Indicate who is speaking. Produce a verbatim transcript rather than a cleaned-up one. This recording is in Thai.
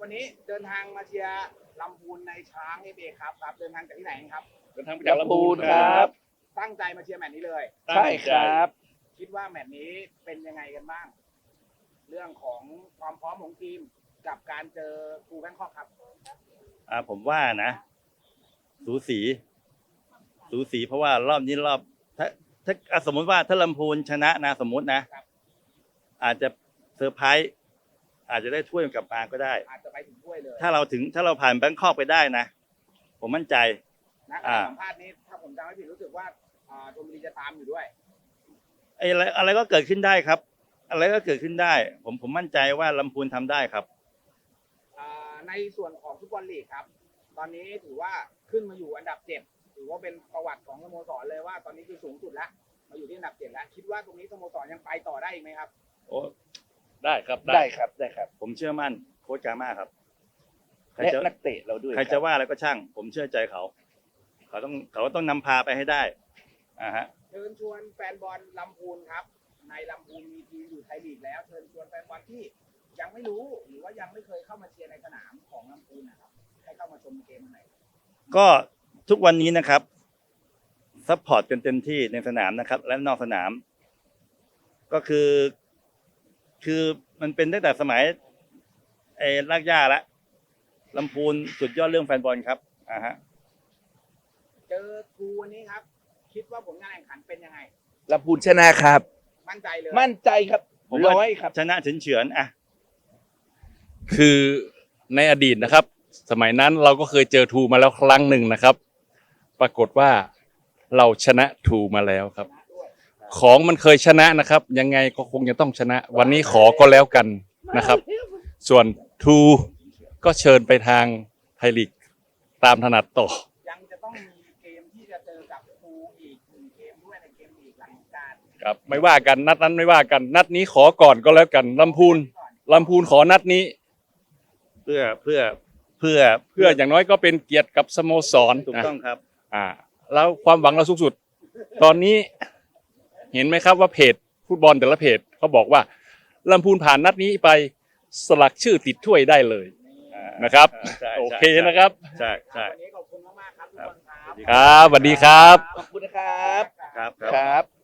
Speaker 1: วันนี้เดินทางมาเชียร์ลำพูนในช้างเอฟเอครับครับเดินทางจากที่ไหนครับ
Speaker 2: เดินทางมาจากลำพูนครับ
Speaker 1: ตั้งใจมาเชียร์แมตช์นี้เลย
Speaker 2: ใช่ครับ
Speaker 1: คิดว่าแมตช์นี้เป็นยังไงกันบ้าง เรื่องของความพร้อมของทีมกับการเจอครูแบงคอกครับ
Speaker 3: อ่าผมว่านะ สูสีสูสีเพราะว่ารอบนี้รอบถ้าถ้าสมมติว่าถ้าลำพูนชนะนะสมมตินะอาจจะเซอร์ไพรส์อาจจะได้ถ้วยกลับมาก็ได้
Speaker 1: อาจจะไปถึงถ้วยเลย
Speaker 3: ถ้าเราถึงถ้าเราผ่านแบงคอกไปได้นะผมมั่นใจ
Speaker 1: นะการสัมภาษณ์นี้ถ้าผมจำไม่ผิดรู้สึกว่าชลบุรีจะตามอยู่ด้วย
Speaker 3: ไอ้อะไรอะไรก็เกิดขึ้นได้ครับ อะไรก็เกิดขึ้นได้ ผมผมมั่นใจว่าลำพูนทำได้ครับ
Speaker 1: ในส่วนของฟุตบอลลีกครับตอนนี้ถือว่าขึ้นมาอยู่อันดับเจ็ดถือว่าเป็นประวัติของสโมสรเลยว่าตอนนี้คือสูงสุดแล้วมาอยู่ที่อันดับเจ็ดแล้วคิดว่าตรงนี้สโมสรยังไปต่อได้อีกไหมครับ
Speaker 3: โอ้
Speaker 2: ได้ครับ
Speaker 4: ได้ครับได้ครับ
Speaker 3: ผมเชื่อมั่นโค้ชกาม่าครับ
Speaker 4: และนักเตะเราด้วย
Speaker 3: ใครจะว่าอะไรก็ช่าง ผมเชื่อใจเขาเขาต้องเขาต้องนำพาไปให้ได้อ่าฮะ
Speaker 1: เชิญชวนแฟนบอลลำพูนครับในลำพูนมีทีมอยู่ไทยลีกแล้วเชิญชวนแฟนบอลที่ยังไม่รู้หรือว่ายังไม่เคยเข้ามาเชียร์ในสนามของลำพูนนะครับให้เข้ามาชมเกมไหน
Speaker 3: ก็ทุกวันนี้นะครับซัพพอร์ตกันเต็มที่ในสนามนะครับและนอกสนาม ก็คือคือมันเป็นตั้งแต่สมัยไอ้รากหญ้าละลำพูนสุดยอดเรื่องแฟนบอลครับอ่าฮะ
Speaker 1: เจอครูวันนี้ครับคิดว่าผลงานแข่งขันเป็นยังไง
Speaker 4: ลำพูนชนะครับ
Speaker 1: มั่นใจเลย
Speaker 4: มั่นใจครับร้อยครับ
Speaker 3: ชนะเฉือนเฉือนอ่ะ
Speaker 2: คือในอดีตนะครับสมัยนั้นเราก็เคยเจอทูมาแล้วครั้งหนึ่งนะครับปรากฏว่าเราชนะทูมาแล้วครับของมันเคยชนะนะครับยังไงก็คงจะต้องชนะวันนี้ขอก็แล้วกันนะครับส่วนทูก็เชิญไปทางไทยลีกตามถนัดต่อ
Speaker 1: ยังจะต้องมีเกมที่จะเจอกับทูอีกหนึ่งเกมด้วยในเกมลีกหลังการ
Speaker 2: ครับไม่ว่ากันนัดนั้นไม่ว่ากันนัดนี้ขอก่อนก็แล้วกันลำพูนลำพูนขอนัดนี้
Speaker 3: เพื่อเพื่อเพื่อ
Speaker 2: เพื่ออย่างน้อยก็เป็นเกียรติกับสโมสร
Speaker 3: ถูกต้องครับ
Speaker 2: อ่าแล้วความหวังเราสูงสุดตอนนี้เห็นไหมครับว่าเพจฟุตบอลแต่ละเพจเขาบอกว่าลำพูนผ่านนัดนี้ไปสลักชื่อติดถ้วยได้เลยนะครับโอเคนะครับ
Speaker 3: ใช่ใช่
Speaker 1: วันนี้ขอบคุณมากๆครับทุกคนครับ
Speaker 2: ครับสวัสดีครับ
Speaker 4: ขอบคุณนะครับ
Speaker 3: ครับ
Speaker 4: ครับ